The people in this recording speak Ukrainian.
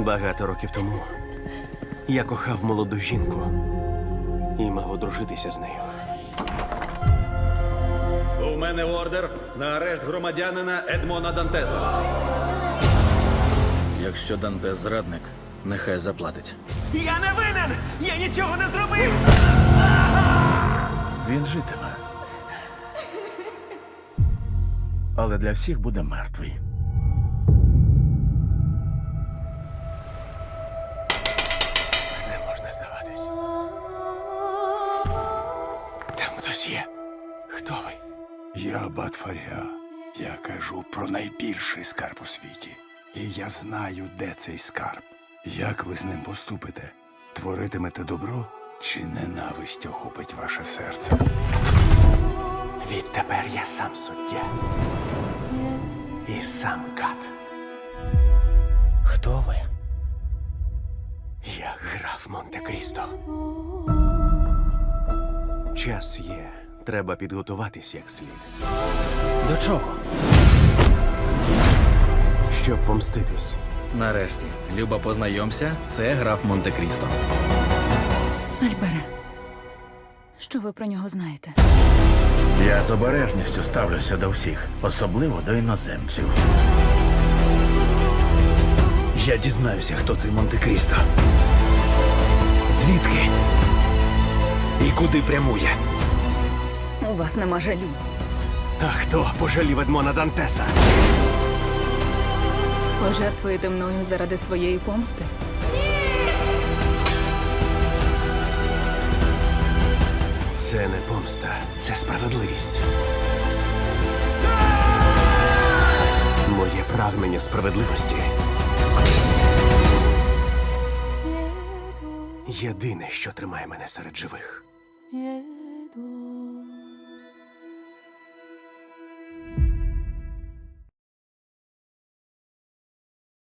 Багато років тому я кохав молоду жінку і мав одружитися з нею. У мене ордер на арешт громадянина Едмона Дантеса. Якщо Дантес зрадник, нехай заплатить. Я не винен! Я нічого не зробив! Він житиме. Але для всіх буде мертвий. Не можна здаватись. Там хтось є. Хто ви? Я Аббат Фаріа. Я кажу про найбільший скарб у світі. І я знаю, де цей скарб. Як ви з ним поступите? Творитимете добро чи ненависть охопить ваше серце? Відтепер я сам суддя. І сам кат. Хто ви? Я граф Монте-Крісто. Час є. Треба підготуватись як слід. До чого? Щоб помститись. Нарешті, Люба, познайомся, це граф Монте-Крісто. Альбере, що ви про нього знаєте? Я з обережністю ставлюся до всіх, особливо до іноземців. Я дізнаюся, хто цей Монте-Крісто. Звідки? І куди прямує? У вас нема жалю. А хто пожалів Едмона Дантеса? Пожертвуєте мною заради своєї помсти? Це не помста, це справедливість. Моє прагнення справедливості. Єдине, що тримає мене серед живих.